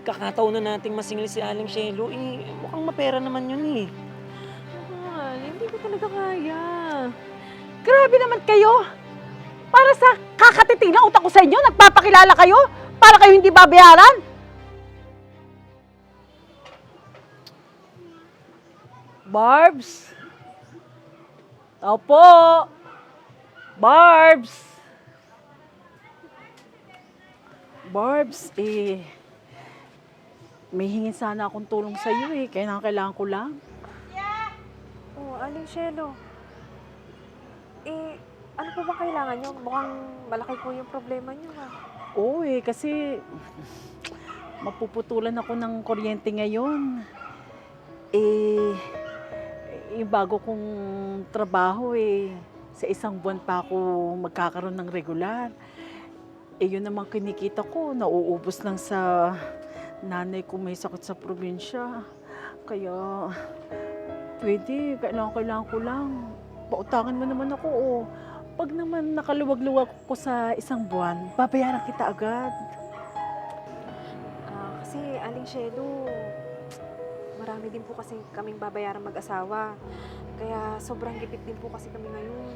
pagkakataon na nating masingil si Aling Shelo, mukhang mapera naman yun eh. Mahal, hindi ko talaga kaya. Grabe naman kayo! Para sa kakatiting na utak ko sa inyo, nagpapakilala kayo? Para kayo hindi babayaran? Barbs? Opo! Barbs! Barbs, may hingin sana akong tulong sa iyo kailangan ko lang. Oh, Aling Shelo. Ano pa ba kailangan nyo? Mukhang malaki po yung problema nyo, ha? Oo kasi mapuputulan ako ng kuryente ngayon. Yung bago kong trabaho sa isang buwan pa ako magkakaroon ng regular. Yun naman kinikita ko, nauubos lang sa nanay ko may sakit sa probinsya. Kaya, kailangan ko lang. Pautangan mo naman ako, Pag naman nakaluwag-luwag ko sa isang buwan, babayaran kita agad. Kasi, Aling Shelo, marami din po kasi kaming babayaran mag-asawa. Kaya sobrang gipit din po kasi kami ngayon.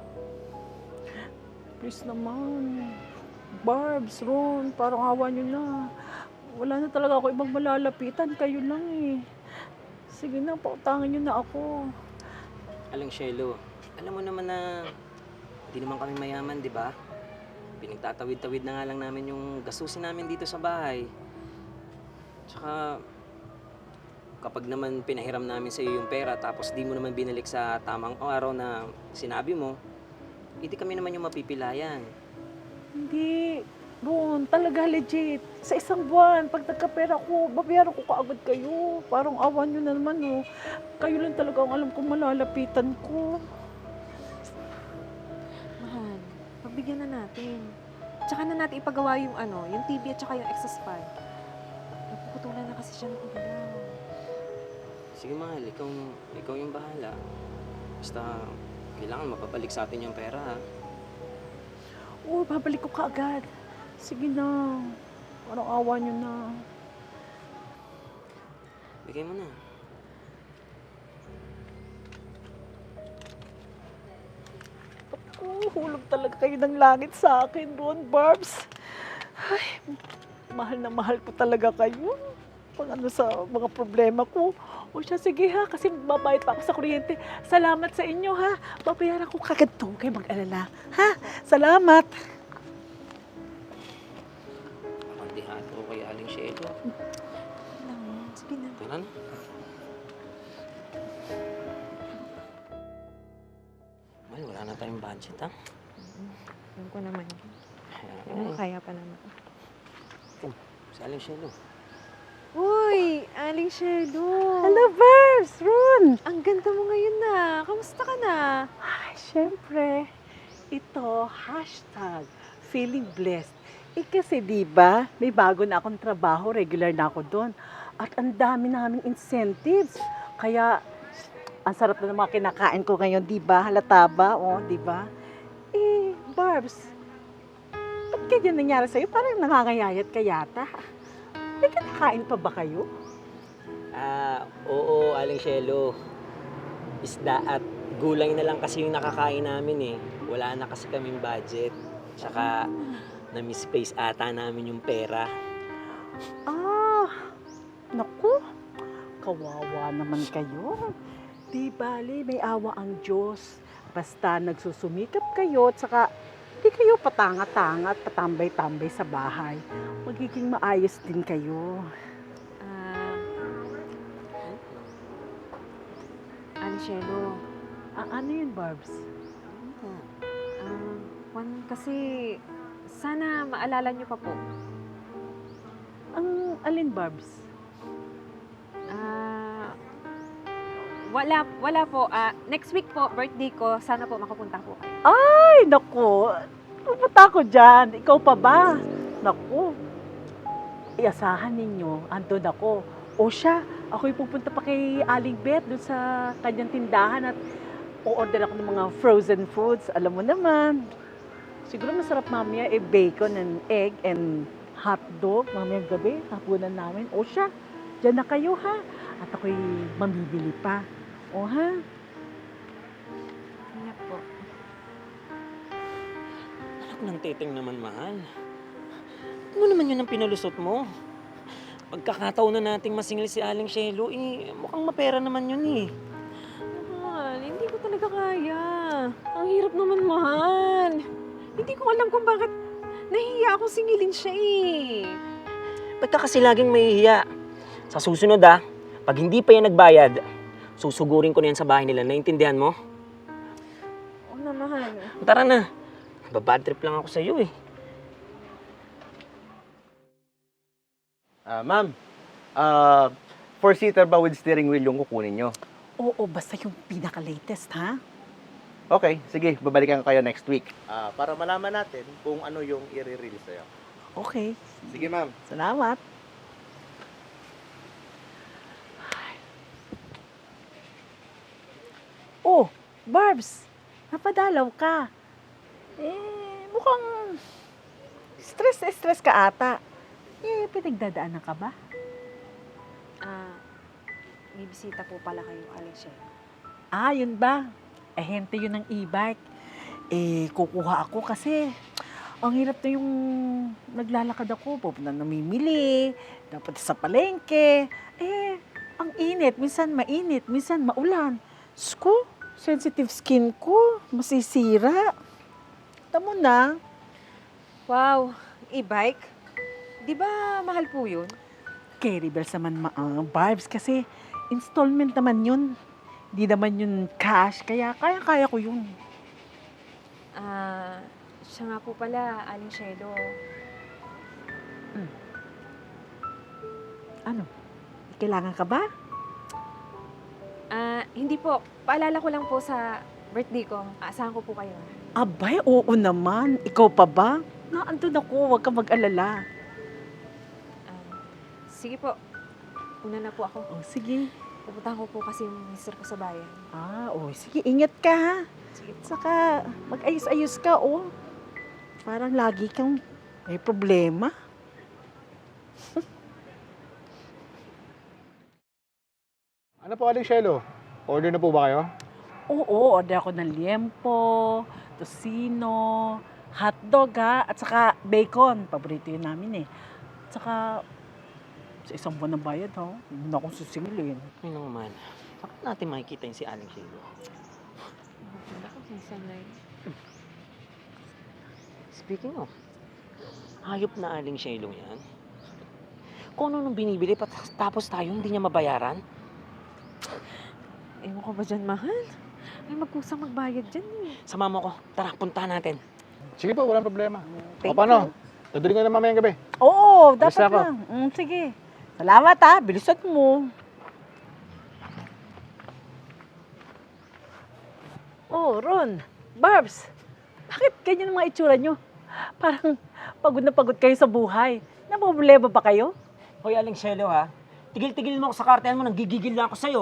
Please naman. Barbs, Ron, parang awa nyo na. Wala na talaga ako ibang malalapitan. Kayo lang Sige na, pautangan nyo na ako. Aling Shelo, alam mo naman na hindi naman kami mayaman, di ba? Pinagtatawid-tawid na nga lang namin yung gastusin namin dito sa bahay. Tsaka, kapag naman pinahiram namin sa iyo yung pera tapos di mo naman binalik sa tamang araw na sinabi mo, hindi kami naman yung mapipilayan. Hindi, Ron, talaga legit. Sa isang buwan, pag nagkapera ko, babayaran ko kaagad kayo. Parang awan nyo na naman, Kayo lang talaga ang alam kong malalapitan ko. Mahal, pagbigyan na natin. Tsaka na natin ipagawa yung yung TV at tsaka yung exhaust fan. Napuputulan na kasi siya ng ilaw. Sige mahal, ikaw yung bahala. Basta, kailangan mapabalik sa atin yung pera, ha? Oo, babalik ko kaagad. Sige na. Parang awa nyo na. Bigay mo na. Hulog talaga kayo ng langit sa akin, Ron, Barbs. Ay, mahal na mahal ko talaga kayo. Pag sa mga problema ko. O siya, sige ha, kasi babayad pa ako sa kuryente. Salamat sa inyo ha. Babayaran ko kagad to. Huwag kayo mag-alala. Ha? Salamat. Kandihato ko kay Aling Shelo. Sige na. Tara na. Mahal, wala na tayong budget, ha? Alam ko naman. Kaya pa naman. Si Aling Shelo. Uy, Aling Shelo. Hello, Barbs. Ron. Ang ganda mo ngayon na. Kamusta ka na? Ay, syempre. Ito, #feeling blessed. Kasi diba, may bago na akong trabaho, regular na ako doon. At ang dami naming incentives. Kaya, ang sarap na ng mga kinakain ko ngayon, diba? Halata ba? O, diba? Barbs, ba't ganyan nangyari sa'yo? Parang nangangayayat ka yata. May kinakain pa ba kayo? Oo, Aling Shelo. Isda at gulay na lang kasi yung nakakain namin eh. Wala na kasi kaming budget. Tsaka, na-misplace ata namin yung pera. Naku, kawawa naman kayo. Di bali, may awa ang Diyos. Basta nagsusumikap kayo, at saka di kayo patanga-tanga at patambay-tambay sa bahay. Magiging maayos din kayo. Aling Shelo. Ano yun, Barbs? Juan, kasi sana maalala niyo pa po. Ang alin, Barbs? Wala po. Next week po, birthday ko. Sana po makapunta po kayo. Ay, naku. Pupunta ako dyan. Ikaw pa ba? Naku. Iasahan ninyo. Andun ako. O siya, ako'y pupunta pa kay Aling Beth doon sa kanyang tindahan at o-order ako ng mga frozen foods. Alam mo naman. Siguro masarap mamaya bacon and egg and hotdog, mamayang gabi, hapunan namin. O siya, dyan na kayo ha. At ako'y mamibili pa. O ha? Kaya po. Anak ng teteng naman, mahal. Ano naman yun ang pinalusot mo? Pagkakataon na nating masingil si Aling Shelo, mukhang mapera naman yun eh. Mahal, hindi ko talaga kaya. Ang hirap naman, mahal. Hindi ko alam kung bakit nahihiya akong singilin siya eh. Ba't ka kasi laging mahihiya? Sa susunod pag hindi pa yan nagbayad, susugurin ko na yan sa bahay nila. Naintindihan mo? Oo na, mahal. Tara na. Babad trip lang ako sa iyo eh. Ma'am, four-seater ba with steering wheel yung kukunin nyo? Oo, basta yung pinaka-latest ha. Okay, sige, babalikan ko kayo next week. Para malaman natin kung ano yung i-release sa'yo. Okay, Sige, ma'am. salamat. Oh, Barbs, napadalaw ka. Mukhang stress ka ata. Pinagdadaanan ka ba? May bisita po pala kayo, Aling Shelo. Yun ba? Hente yun ng e-bike. Kukuha ako kasi ang hirap na yung naglalakad ako. Pupunta namimili, dapat sa palengke. Ang init. Minsan mainit, minsan maulan. Sko, sensitive skin ko. Masisira. Tamo na. Wow, e-bike? Di ba mahal po yun? Carry bells naman Barbs kasi installment naman yun. Hindi naman yun cash, kaya kaya ko yun. Siya nga po pala, Aling Shelo. Ano? Kailangan ka ba? Hindi po. Paalala ko lang po sa birthday ko. Aasahan ko po kayo. Abay, oo naman. Ikaw pa ba? Naandun ako, huwag ka mag-alala. Sige po. Una na po ako. Oh, sige. Pupuntahan ko po kasi yung mister ko sa bayan. Sige, ingat ka ha. Sige po. Saka, mag-ayos-ayos ka, Parang lagi kang may problema. Ano po, Aling Shelo? Order na po ba kayo? Oo, order ako ng liempo, tocino, hotdog at saka bacon. Paborito yun namin eh. At saka, sa isang buwan ng bayad hindi na akong susingilin. Ay naman. Bakit natin makikita yung si Aling Shelo? Ako, sanay. Speaking of, hayop na Aling Shelo yan. Kung ano nung binibili, tapos tayo hindi niya mabayaran. Ewan ko ba dyan, mahal? Ay, magkusang magbayad dyan eh. Sama mo ko. Tara, puntahan natin. Sige po, walang problema. Thank O paano? Tutuloy ko na mamayang gabi. Oo, Alis dapat na ako. lang. Sige. Salamat bilisan mo. Oh, Ron, Barbs, bakit ganyan ang mga itsura nyo? Parang pagod na pagod kayo sa buhay. Napoblema ba kayo? Hoy, Aling Shelo ha. Tigil-tigil mo ako sa kartehan mo, nanggigigil lang ako sa'yo.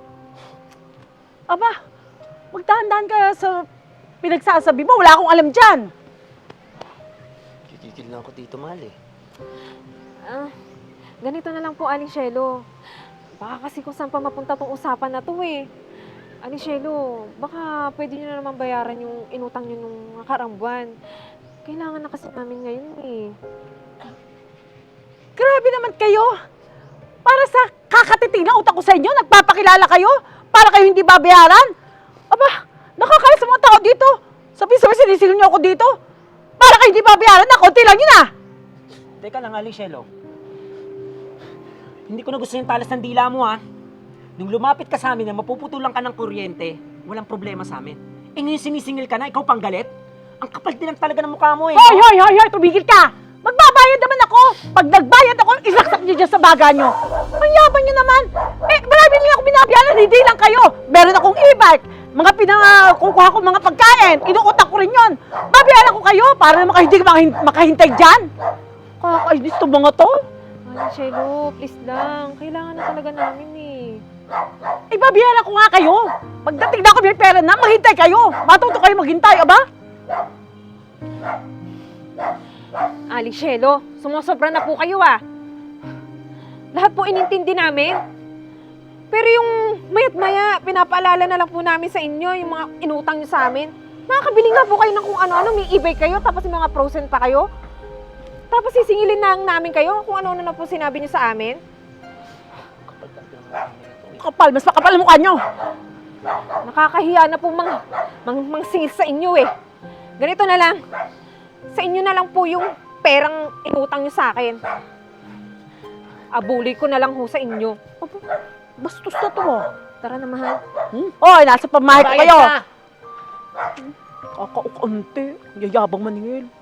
Aba, magdahan-dahan ka sa pinagsasabi mo. Wala akong alam dyan. Gigigil lang ako dito, mahal eh. Ganito na lang po, Aling Shelo. Baka kasi kung saan pa mapunta tong usapan na to eh. Aling Shelo, baka pwede nyo na naman bayaran yung inutang nyo nung nakarang buwan. Kailangan na kasi namin ngayon eh. Grabe naman kayo. Para sa kakatiting na utak ko sa inyo, nagpapakilala kayo para kayo hindi babayaran. Aba, nakakaya sa mga tao dito. Sabi-sabi sinisingil niyo ako dito. Para kayo hindi babayaran na, konti lang yun Teka lang, Aling Shelo. Hindi ko na gusto yung talas ng dila mo ha. Nung lumapit ka sa amin na mapuputulan ka ng kuryente, walang problema sa amin. Ngayon sinisingil ka na, ikaw pang galit? Ang kapal din lang talaga ng mukha mo eh. Hoy, tumigil ka! Magbabayad naman ako! Pag nagbayad ako, isaksak niyo dyan sa baga niyo. Ang yaman niyo naman! Marami lang ako binabayaran, hindi lang kayo. Meron akong e-bike, mga kukuha ko mga pagkain, inuutak ko rin yun. Babayaran ko kayo para naman kayo hindi makahintay dyan. Kakainis to mga to. Aling Shelo, please lang. Kailangan na talaga namin eh. Babayaran ko nga kayo. Pagdating na ako may pera na, maghintay kayo. Matuto kayo maghintay, aba? Aling Shelo, sumusobra na po kayo Lahat po inintindi namin. Pero yung mayat-maya, pinapaalala na lang po namin sa inyo yung mga inutang nyo sa amin. Nakakabili nga po kayo ng kung ano-ano, may eBay kayo, tapos may mga frozen pa kayo. Tapos sisingilin na namin kayo kung ano-ano na po sinabi nyo sa amin. Kapal, mas makapal ang mukha nyo. Nakakahiya na po singil sa inyo Ganito na lang. Sa inyo na lang po yung perang inutang nyo sa akin. Abuli ko na lang ho sa inyo. Bastos na to. Tara na, mahal. Oy, nasa pamahay ko kayo. Kakaukante. Yayabang maningil.